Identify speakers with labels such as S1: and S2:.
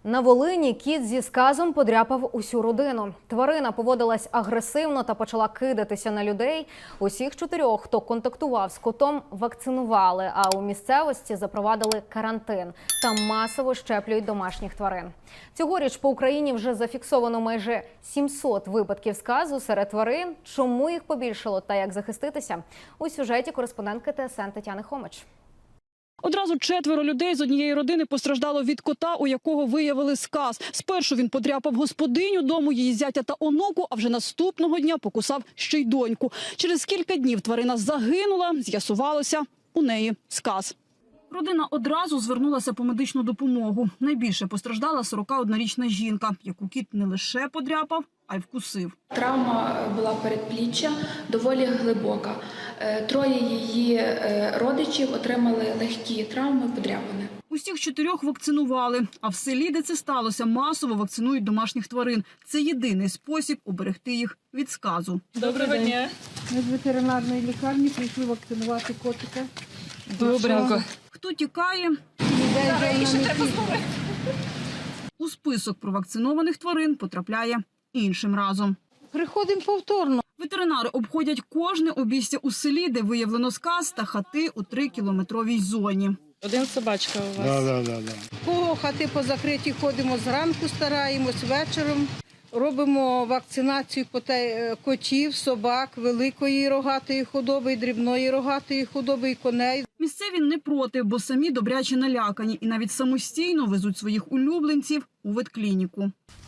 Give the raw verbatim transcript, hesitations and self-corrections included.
S1: На Волині кіт зі сказом подряпав усю родину. Тварина поводилась агресивно та почала кидатися на людей. Усіх чотирьох, хто контактував з котом, вакцинували, а у місцевості запровадили карантин. Там масово щеплюють домашніх тварин. Цьогоріч по Україні вже зафіксовано майже сімсот випадків сказу серед тварин. Чому їх побільшало та як захиститися? У сюжеті кореспондентки Т С Н Тетяни Хомич.
S2: Одразу четверо людей з однієї родини постраждало від кота, у якого виявили сказ. Спершу він подряпав господиню дому, її зятя та онуку, а вже наступного дня покусав ще й доньку. Через кілька днів тварина загинула, з'ясувалося, у неї сказ. Родина одразу звернулася по медичну допомогу. Найбільше постраждала сорокаоднорічна жінка, яку кіт не лише подряпав, а й вкусив.
S3: Травма була передпліччя, доволі глибока. Троє її родичів отримали легкі травми, подряпини.
S2: Усіх чотирьох вакцинували, а в селі, де це сталося, масово вакцинують домашніх тварин. Це єдиний спосіб уберегти їх від сказу.
S4: Доброго дня.
S5: Ми з ветеринарної лікарні прийшли вакцинувати котика.
S4: Добренько.
S2: Хто тікає? У список провакцинованих тварин потрапляє іншим разом.
S5: Приходимо повторно.
S2: Ветеринари обходять кожне обійстя у селі, де виявлено сказ, та хати у трикілометровій зоні.
S4: Один собачка у вас.
S6: Да, да, да, да.
S5: Кого хати позакриті, ходимо зранку, стараємось, вечором. Робимо вакцинацію котів, собак, великої рогатої худоби, дрібної рогатої худоби і коней.
S2: Місцеві не проти, бо самі добряче налякані і навіть самостійно везуть своїх улюбленців у ветклініку.